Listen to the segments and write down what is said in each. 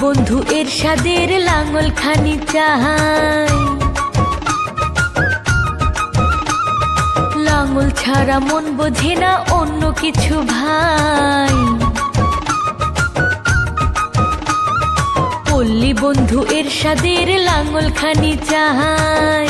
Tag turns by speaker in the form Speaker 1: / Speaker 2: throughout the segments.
Speaker 1: বন্ধু এরশাদের লাঙল খানি চাই, লাঙল ছাড়া মন বোঝে না অন্য কিছু ভাই। পল্লী বন্ধু এরশাদের লাঙল খানি চাই,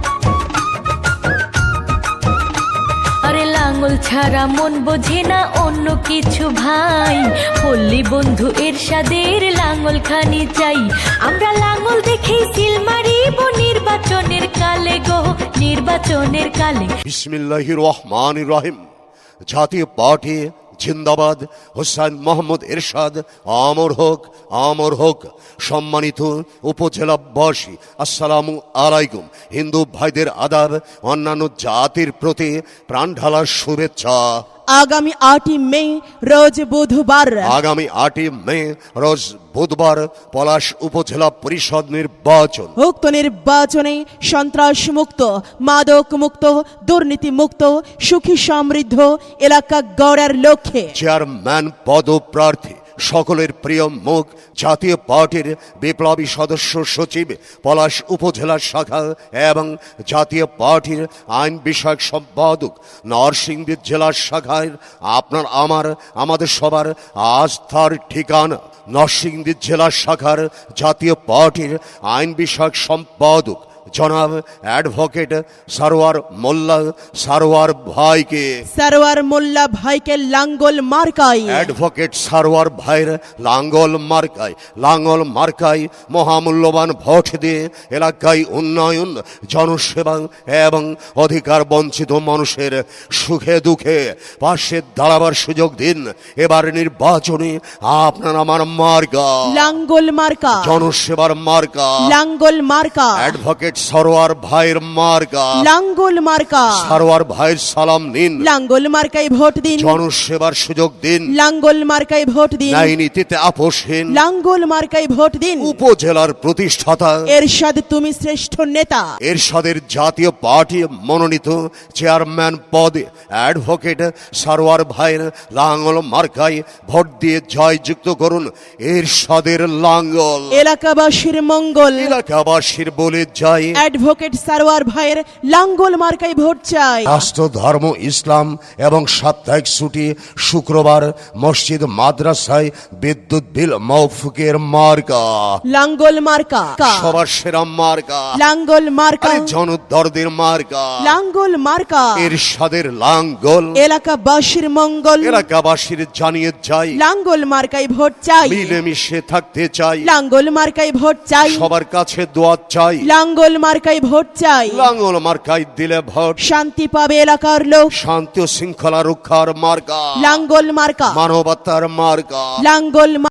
Speaker 1: আরে লাঙল ছাড়া মন বোঝে না অন্য কিছু ভাই। পল্লী বন্ধু এরশাদের লাঙল খানি চাই, আমরা লাঙল দেখেই সিল মারিব নির্বাচনের কালে গো, নির্বাচনের কালে।
Speaker 2: বিসমিল্লাহির রহমানির রহিম। জাতীয় পার্টি জিন্দাবাদ। হোসেন মোহাম্মদ এরশাদ আমর হোক, আমর হোক। সম্মানিত উপজেলাবাসী, আসসালামু আলাইকুম। হিন্দু ভাইদের আদাব, অন্যান্য জাতির প্রতি প্রাণ ঢালার শুভেচ্ছা।
Speaker 3: আগামী 8ই মে রোজ বুধবার,
Speaker 2: আগামী 8ই মে রোজ বুধবার পলাশ উপজেলা পরিষদ নির্বাচন।
Speaker 3: উক্ত নির্বাচনে সন্ত্রাস মুক্ত, মাদক মুক্ত, দুর্নীতি মুক্ত, সুখী সমৃদ্ধ এলাকা গড়ার লক্ষ্যে
Speaker 2: চেয়ারম্যান পদপ্রার্থী সকলের প্রিয় মুখ, জাতীয় পার্টির বিপ্লবী সদস্য সচিব পলাশ উপজেলা শাখা এবং জাতীয় পার্টির আইন বিষয়ক সম্পাদক নরসিংদী জেলা শাখায় আপনার আমাদের সবার আস্থার ঠিকানা নরসিংদী জেলা শাখার জাতীয় পার্টির আইন বিষয়ক সম্পাদক জনাব অ্যাডভোকেট সারোয়ার মোল্লা সারোয়ার ভাইকে,
Speaker 3: সারোয়ার মোল্লা ভাইকে লাঙ্গল মার্কাই,
Speaker 2: অ্যাডভোকেট সারোয়ার ভাইয়ের লাঙ্গল মার্কায়, লাঙ্গল মার্কায় মহামূল্যবান ভোট দিয়ে এলাকায় উন্নয়ন, জনসেবা এবং অধিকার বঞ্চিত মানুষের সুখে দুঃখে পাশে দাঁড়াবার সুযোগ দিন। এবার নির্বাচনে আপনার আমার মার্কা
Speaker 3: লাঙ্গল মার্কা,
Speaker 2: জনসেবার মার্কা
Speaker 3: লাঙ্গল মার্কা,
Speaker 2: অ্যাডভোকেট সারোয়ার ভাইয়ের মার্কা
Speaker 3: লাঙ্গল মার্কা।
Speaker 2: সারোয়ার ভাইয়ের সালাম নিন,
Speaker 3: লাঙ্গল মার্কায় ভোট দিন,
Speaker 2: জনসেবার সুযোগ দিন,
Speaker 3: লাঙ্গল মার্কায় ভোট দিন,
Speaker 2: ন্যায় নীতিতে আপোষহীন
Speaker 3: লাঙ্গল মার্কায় ভোট দিন।
Speaker 2: উপজেলার প্রতিষ্ঠাতা
Speaker 3: এরশাদ তুমি শ্রেষ্ঠ নেতা,
Speaker 2: এরশাদের জাতীয় পার্টি মনোনীত চেয়ারম্যান পদে অ্যাডভোকেট সারোয়ার ভাইয়ের লাঙ্গল মার্কায় ভোট দিয়ে জয়যুক্ত করুন এরশাদের লাঙ্গল।
Speaker 3: এলাকাবাসীর মঙ্গল,
Speaker 2: এলাকাবাসীর বলে যাই
Speaker 3: অ্যাডভোকেট সারোয়ার ভাইয়ের লাঙ্গল মার্কায় ভোট চাই।
Speaker 2: রাষ্ট্র ধর্ম ইসলাম এবং সাপ্তাহিক ছুটি শুক্রবার মসজিদ মাদ্রাসায় বিদ্যুৎ বিল মওকুফের মার্কা
Speaker 3: লাঙ্গল মার্কা,
Speaker 2: সবার সেরা মার্কা
Speaker 3: লাঙ্গল মার্কা,
Speaker 2: জনদরদের মার্কা
Speaker 3: লাঙ্গল মার্কা।
Speaker 2: এরশাদের লাঙ্গল
Speaker 3: এলাকাবাসীর মঙ্গল,
Speaker 2: এলাকাবাসীর জানিয়ে যাই
Speaker 3: লাঙ্গল মার্কায় ভোট চাই,
Speaker 2: মিলেমিশে থাকতে চাই,
Speaker 3: লাঙ্গল মার্কায় ভোট চাই,
Speaker 2: সবার কাছে দোয়া চাই,
Speaker 3: লাঙ্গল মার্কায় ভোট চাই।
Speaker 2: লাঙ্গল মার্কায় দিলে ভোট
Speaker 3: শান্তি পাবে এলাকার লোক,
Speaker 2: শান্তি ও শৃঙ্খলা রক্ষার মার্কা
Speaker 3: লাঙ্গল মার্কা,
Speaker 2: মানবতার মার্কা
Speaker 3: লাঙ্গল